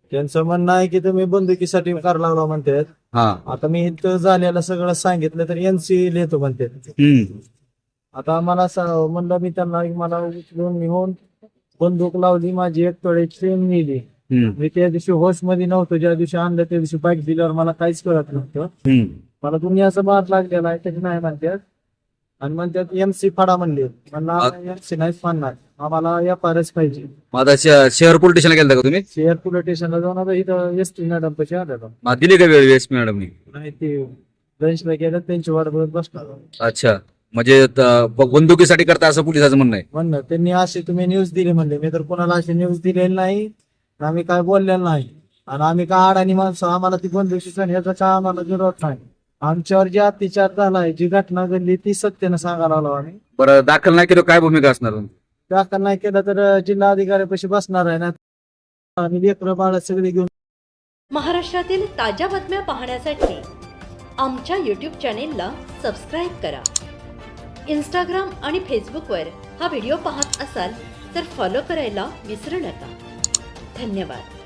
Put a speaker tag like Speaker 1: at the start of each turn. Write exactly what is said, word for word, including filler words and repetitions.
Speaker 1: त्यांचं म्हणणं आहे की तुम्ही बंदुकीसाठी कार लावला म्हणतात.
Speaker 2: हा.
Speaker 1: आता मी इथं झालेलं सगळं सांगितलं तर एनसी लिहितो म्हणतात.
Speaker 2: हम्म.
Speaker 1: आता मला स- म्हणलं मी त्यांना मला उचलून निघून बंदूक लावली, माझी एक तोळे चेन नेली.
Speaker 2: हम्म.
Speaker 1: मी त्या दिवशी होश मध्ये नव्हतो, ज्या दिवशी आणलं त्या दिवशी बाईक दिल्यावर मला काहीच कळत नव्हतं.
Speaker 2: हम्म.
Speaker 1: मला दुनियाचा मार लागलेला आहे त्याची नाही म्हणतात. आणि म्हणतात एमसी फाडा म्हणले. म्हणलं एमसी नाहीच फाडणार, आम्हाला या पारच पाहिजे.
Speaker 2: मग आता श- शहर पोलीस स्टेशनला गेलता का तुम्ही?
Speaker 1: शेअर पोलीस स्टेशनला जाऊन आता इथं एस टी मॅडम पशी आलेलो.
Speaker 2: मग दिली का वेळ एस पी मॅडमनी?
Speaker 1: नाही ते लंचला गेलं, त्यांची वाट बघत बसणार.
Speaker 2: अच्छा, म्हणजे त- ब- बंदुकीसाठी करता असं पोलिसाचं म्हणणं आहे.
Speaker 1: म्हणलं त्यांनी अशी तुम्ही न्यूज दिली म्हणले. मी तर कोणाला अशी न्यूज दिलेली नाही, आम्ही काय बोललेलं नाही. आणि आम्ही काय अडाणी माणसं, आम्हाला ती बंदुकीचा ह्याचा काय आम्हाला विरोध नाही. आमच्यावर जे अत्याचार झालाय, जी घटना घडली ती सत्यानं सांगायला आलो आम्ही.
Speaker 2: बरं, दाखल नाही केलं काय भूमिका असणार?
Speaker 1: दाखल नाही केलं तर जिल्हा अधिकाऱ्यापाशी बसणार आहे ना. आम्ही लेकरं बाळ सगळे घेऊन.
Speaker 3: महाराष्ट्रातील ताज्या बातम्या पाहण्यासाठी आमच्या यूट्यूब चॅनेलला सबस्क्राईब करा. इंस्टाग्राम आणि फेसबुकवर हा व्हिडिओ पाहत असाल तर फॉलो करायला विसरू नका. धन्यवाद.